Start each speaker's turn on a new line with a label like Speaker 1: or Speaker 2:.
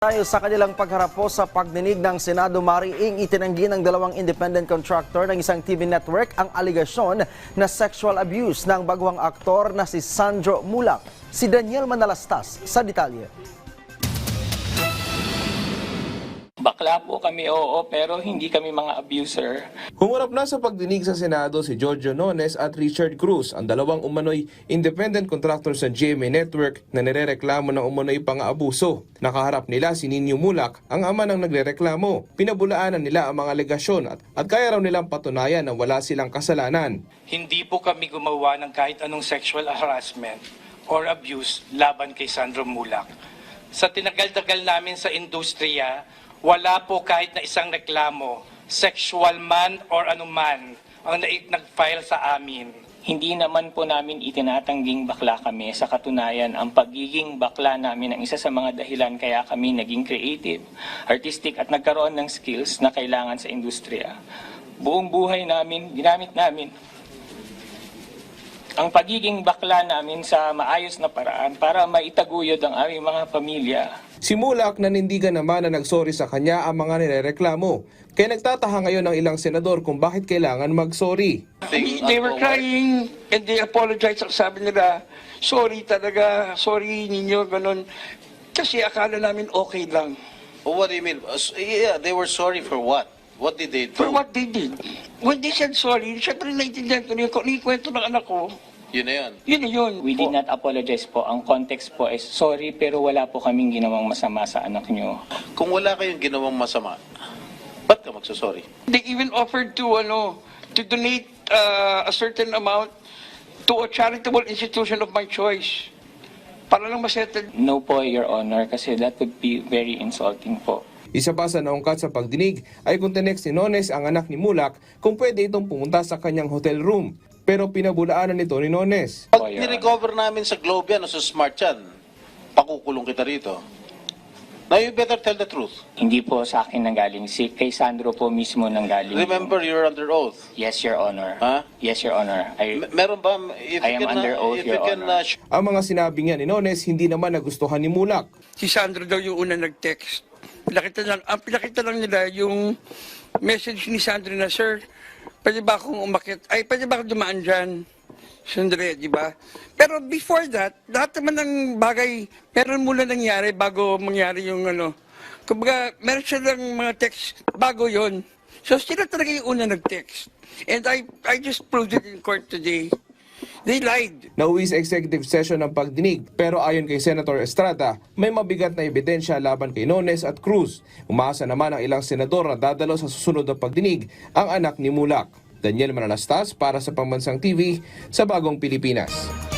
Speaker 1: Tayo sa kanilang pagharap po sa pagdinig ng Senado, mariing itinanggi ng dalawang independent contractor ng isang TV network ang aligasyon na sexual abuse ng baguhang aktor na si Sandro Mulak. Si Daniel Manalastas sa detalye.
Speaker 2: Bakla po kami, oo, pero hindi kami mga abuser.
Speaker 3: Humarap na sa pagdinig sa Senado si Giorgio Nones at Richard Cruz, ang dalawang umano'y independent contractor sa GMA Network na nirereklamo ng umano'y pang-aabuso. Nakaharap nila si Nino Mulak, ang ama ng nagrereklamo. Pinabulaanan nila ang mga alegasyon at kaya raw nilang patunayan na wala silang kasalanan.
Speaker 4: Hindi po kami gumawa ng kahit anong sexual harassment or abuse laban kay Sandro Mulak. Sa tinagal-tagal namin sa industriya, wala po kahit na isang reklamo, sexual man or anuman, ang nag-file sa amin.
Speaker 2: Hindi naman po namin itinatangging bakla kami. Sa katunayan, ang pagiging bakla namin ang isa sa mga dahilan kaya kami naging creative, artistic at nagkaroon ng skills na kailangan sa industriya. Buong buhay namin, ginamit namin ang pagiging bakla namin sa maayos na paraan para maitaguyod ang aming mga pamilya.
Speaker 3: Si Mulak nanindigan naman na nagsorry sa kanya ang mga nirereklamo. Kaya nagtataha ngayon ng ilang senador kung bakit kailangan mag-sorry.
Speaker 5: They were crying and they apologized. Sabi nila, sorry talaga, sorry ninyo, ganun. Kasi akala namin okay lang.
Speaker 6: Oh, what do you mean? Yeah, they were sorry for what? What did they do?
Speaker 5: For what they did. When they said sorry, syempre naiintindihan ko yung kwento ng anak ko.
Speaker 6: Yun na yun.
Speaker 5: Yun na yun.
Speaker 2: We did not apologize po. Ang context po is sorry pero wala po kaming ginawang masama sa anak nyo.
Speaker 6: Kung wala kayong ginawang masama, ba't ka magsasorry?
Speaker 5: They even offered to donate a certain amount to a charitable institution of my choice. Para lang masettle.
Speaker 2: No po, Your Honor, kasi that would be very insulting po.
Speaker 3: Isa pa sa naungkat sa pagdinig ay kung tinext ni Nones ang anak ni Mulak kung pwede itong pumunta sa kanyang hotel room. Pero pinabulaanan nito ni Nones.
Speaker 6: Pag nirecover namin sa Globe yan o sa Smart yan, pakukulong kita rito. Now you better tell the truth.
Speaker 2: Hindi po sa akin nanggaling. Si kay Sandro po mismo nanggaling.
Speaker 6: Remember, you're under oath.
Speaker 2: Yes, Your Honor.
Speaker 6: Ha?
Speaker 2: Yes, Your Honor.
Speaker 6: Meron ba? If
Speaker 2: I am under oath, Your Honor.
Speaker 3: Ang mga sinabi niya ni Nones hindi naman nagustuhan ni Mulak.
Speaker 5: Si Sandro daw yung una nag-text. Pinakita lang nila yung message ni Sandro na, Sir, pwede ba akong umakit? Ay, pwede ba akong dumaan dyan? Sandre, di ba? Pero before that, lahat naman ng bagay, meron muna nangyari bago mangyari yung Kumbaga, meron silang mga text bago yon. So sila talaga yung una nag-text. And I just proved it in court today. They lied.
Speaker 3: Nauwi sa executive session ng pagdinig pero ayon kay Senator Estrada, may mabigat na ebidensya laban kay Nones at Cruz. Umaasa naman ang ilang senador na dadalo sa susunod na pagdinig ang anak ni Mulak. Daniel Manalastas para sa Pambansang TV sa Bagong Pilipinas.